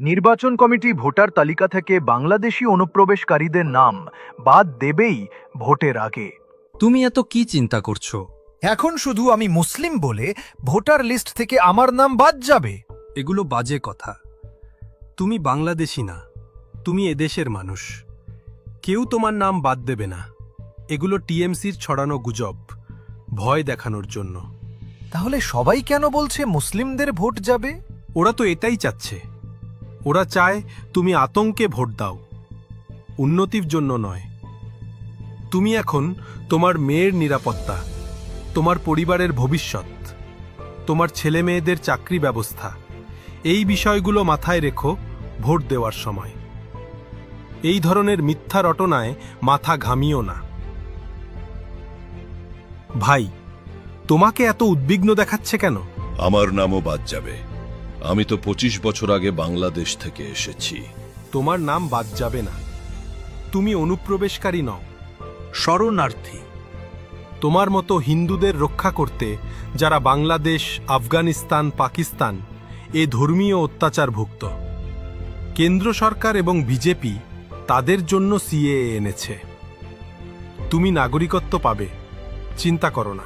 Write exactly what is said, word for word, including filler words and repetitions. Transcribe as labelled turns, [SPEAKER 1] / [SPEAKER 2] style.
[SPEAKER 1] নির্বাচন committee voter তালিকা থেকে বাংলাদেশি অনুপ্রবেশকারীদের নাম বাদ দেবেই ভোটের আগে।
[SPEAKER 2] তুমি এত কি চিন্তা করছো?
[SPEAKER 3] এখন শুধু আমি মুসলিম বলে ভোটার লিস্ট থেকে আমার নাম বাদ যাবে?
[SPEAKER 2] এগুলো বাজে কথা। তুমি বাংলাদেশি না, তুমি এদেশের মানুষ। কেউ তোমার নাম বাদ দেবে না। এগুলো টিএমসির ছড়ানো গুজব, ভয় দেখানোর জন্য।
[SPEAKER 3] তাহলে সবাই কেন বলছে মুসলিমদের ভোট যাবে?
[SPEAKER 2] ওরা তো এটাই চাচ্ছে। ওরা চায় তুমি আতঙ্কে ভোট দাও, উন্নতির জন্য নয়। তুমি এখন তোমার মেয়ের নিরাপত্তা, তোমার পরিবারের ভবিষ্যৎ, তোমার ছেলে মেয়েদের চাকরি ব্যবস্থা, এই বিষয়গুলো মাথায় রেখো ভোট দেওয়ার সময়। এই ধরনের মিথ্যা রটনায় মাথা ঘামিও না। ভাই, তোমাকে এত উদ্বিগ্ন দেখাচ্ছে কেন?
[SPEAKER 4] আমার নামও বাদ যাবে। আমি তো পঁচিশ বছর আগে বাংলাদেশ থেকে এসেছি।
[SPEAKER 2] তোমার নাম বাদ যাবে না। তুমি অনুপ্রবেশকারী নও,
[SPEAKER 1] শরণার্থী।
[SPEAKER 2] তোমার মতো হিন্দুদের রক্ষা করতে যারা বাংলাদেশ, আফগানিস্তান, পাকিস্তান এ ধর্মীয় অত্যাচারভুক্ত। কেন্দ্র সরকার এবং বিজেপি তাদের জন্য সিএএ এনেছে। তুমি নাগরিকত্ব পাবে, চিন্তা করো না।